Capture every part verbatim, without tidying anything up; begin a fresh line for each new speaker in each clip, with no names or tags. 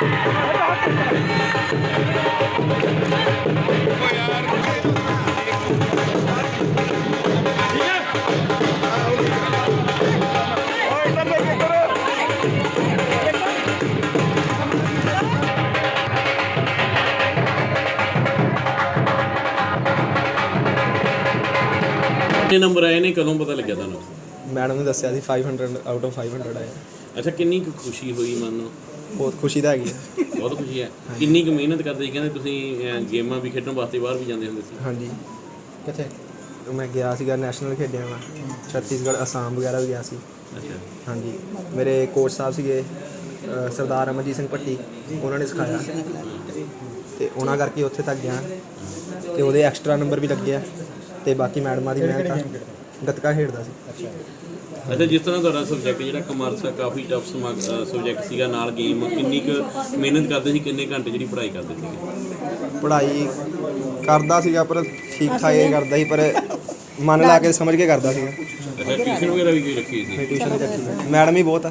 ਕਿੰਨੇ ਨੰਬਰ ਆਏ ਨੇ, ਕਦੋਂ ਪਤਾ ਲੱਗਿਆ ਤੁਹਾਨੂੰ?
ਮੈਡਮ ਨੇ ਦੱਸਿਆ ਸੀ five hundred out of five hundred ਆਏ।
ਅੱਛਾ, ਕਿੰਨੀ ਕੁ ਖੁਸ਼ੀ ਹੋਈ ਮਨ ਨੂੰ?
ਬਹੁਤ ਖੁਸ਼ੀ ਤਾਂ ਹੈਗੀ ਹੈ।
ਬਹੁਤ ਖੁਸ਼ੀ ਹੈ। ਕਿੰਨੀ ਕੁ ਮਿਹਨਤ ਕਰਦੇ ਸੀ? ਕਹਿੰਦੇ ਤੁਸੀਂ ਅਹ, ਗੇਮਾਂ ਵੀ ਖੇਡਣ ਵਾਸਤੇ ਬਾਹਰ ਵੀ ਜਾਂਦੇ ਹੁੰਦੇ ਸੀ।
ਹਾਂਜੀ, ਕਿੱਥੇ ਮੈਂ ਗਿਆ ਸੀਗਾ ਨੈਸ਼ਨਲ ਖੇਡਿਆ ਮੈਂ, ਛੱਤੀਸਗੜ੍ਹ, ਅਸਾਮ ਵਗੈਰਾ ਵੀ ਗਿਆ ਸੀ।
ਅੱਛਾ,
ਹਾਂਜੀ, ਮੇਰੇ ਕੋਚ ਸਾਹਿਬ ਸੀਗੇ ਅ, ਸਰਦਾਰ ਅਮਰਜੀਤ ਸਿੰਘ ਭੱਟੀ, ਉਹਨਾਂ ਨੇ ਸਿਖਾਇਆ ਅਤੇ ਉਹਨਾਂ ਕਰਕੇ ਉੱਥੇ ਤੱਕ ਗਿਆ ਅਤੇ ਉਹਦੇ ਐਕਸਟਰਾ ਨੰਬਰ ਵੀ ਲੱਗੇ ਆ ਅਤੇ ਬਾਕੀ ਮੈਡਮਾਂ ਦੀ ਮਿਹਨਤ ਆ। ਗੱਤਕਾ ਖੇਡਦਾ ਸੀ।
ਅੱਛਾ, ਜਿਸ ਤਰ੍ਹਾਂ ਤੁਹਾਡਾ ਸਬਜੈਕਟ ਜਿਹੜਾ ਕਮਰਸ ਆ, ਕਾਫੀ ਟਫ ਸਬਜੈਕਟ ਸੀਗਾ, ਨਾਲ ਗੇਮ, ਕਿੰਨੀ ਕੁ ਮਿਹਨਤ ਕਰਦੇ ਸੀ? ਕਿੰਨੇ ਘੰਟੇ ਜਿਹੜੀ ਪੜ੍ਹਾਈ ਕਰਦੇ ਸੀਗੇ?
ਪੜ੍ਹਾਈ ਕਰਦਾ ਸੀਗਾ ਪਰ ਠੀਕ ਠਾਕ ਹੀ ਕਰਦਾ ਸੀ, ਪਰ ਮਨ ਲਾ ਕੇ ਸਮਝ ਕੇ ਕਰਦਾ ਸੀਗਾ।
ਅੱਛਾ, ਟਿਊਸ਼ਨ ਵਗੈਰਾ ਵੀ ਕੋਈ ਰੱਖੀ ਸੀ?
ਟਿਊਸ਼ਨ ਵੀ ਰੱਖੀ ਸੀ, ਮੈਡਮ ਹੀ ਬਹੁਤ ਆ।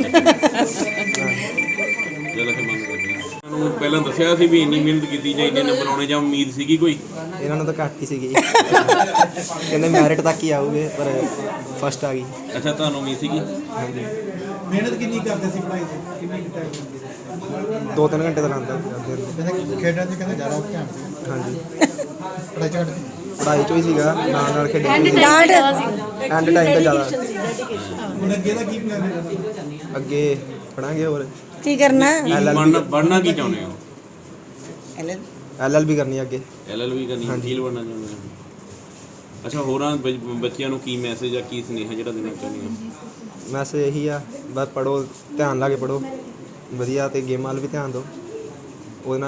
ਜਦੋਂ ਕਿ ਮੰਨ ਕਰਦੇ ਤੁਹਾਨੂੰ ਪਹਿਲਾਂ ਦੱਸਿਆ ਸੀ ਵੀ ਇੰਨੀ ਮਿਹਨਤ ਕੀਤੀ ਜਾਂ ਇੰਨੇ ਨੰਬਰ ਆਉਣੇ, ਜਾਂ ਉਮੀਦ ਸੀਗੀ ਕੋਈ?
ਇਹਨਾਂ ਨੂੰ ਤਾਂ ਘੱਟ ਹੀ ਸੀਗੀ, ਕਹਿੰਦੇ ਮੈਰਿਟ ਤੱਕ ਹੀ ਆਊਗੇ, ਪਰ ਫਸਟ ਆ ਗਈ।
ਅੱਛਾ, ਤੁਹਾਨੂੰ ਉਮੀਦ ਸੀਗੀ?
ਹਾਂਜੀ,
ਮਿਹਨਤ ਕਿੰਨੀ ਕਰਦੇ ਸੀ ਪੜ੍ਹਾਈ 'ਚ? ਕਿੰਨੀ ਟਾਈਮ ਹੁੰਦੀ ਸੀ?
ਦੋ ਤਿੰਨ ਘੰਟੇ ਤਾਂ ਲਾਉਂਦਾ ਕਰਦੇ ਹੁੰਦੇ।
ਖੇਡਾਂ 'ਚ ਕਹਿੰਦੇ ਜ਼ਿਆਦਾ ਧਿਆਨ ਸੀ,
ਹਾਂਜੀ,
ਪੜ੍ਹਾਈ 'ਚ ਘੱਟ ਸੀ।
ਪੜ੍ਹਾਈ 'ਚੋਂ ਹੀ ਸੀਗਾ, ਨਾਲ ਨਾਲ ਖੇਡਣ
ਐਂਡ
ਐਂਡ
ਟਾਈਮ
ਟਾਈਮ ਤਾਂ ਜ਼ਿਆਦਾ।
ਹੁਣ ਅੱਗੇ ਦਾ ਕੀ ਪਲਾਨ ਹੈ?
ਅੱਗੇ ਪੜਾਂਗੇ ਹੋਰ
ਕੀ ਕਰਨਾ?
ਕੀ ਬਣਨਾ ਬਣਨਾ ਕੀ ਚਾਹੁੰਦੇ ਹੋ?
ਐਲ ਐਲ ਬੀ ਕਰਨੀ ਅੱਗੇ।
ਐਲ ਐਲ ਵੀ ਕਰਨੀ, ਵਕੀਲ ਬਣਨਾ ਚਾਹੁੰਦੇ ਹੋ? ਅੱਛਾ, ਹੋਰਾਂ ਬ- ਬੱਚਿਆਂ ਨੂੰ ਕੀ ਮੈਸੇਜ ਆ, ਕੀ ਸੁਨੇਹਾ ਜਿਹੜਾ ਦੇਣਾ ਚਾਹੁੰਦੇ ਹੋ?
ਮੈਸੇਜ ਇਹੀ ਆ, ਬਸ ਪੜ੍ਹੋ, ਧਿਆਨ ਲਾ ਕੇ ਪੜ੍ਹੋ ਵਧੀਆ, ਅਤੇ ਗੇਮਾਂ ਵੱਲ ਵੀ ਧਿਆਨ ਦਿਓ।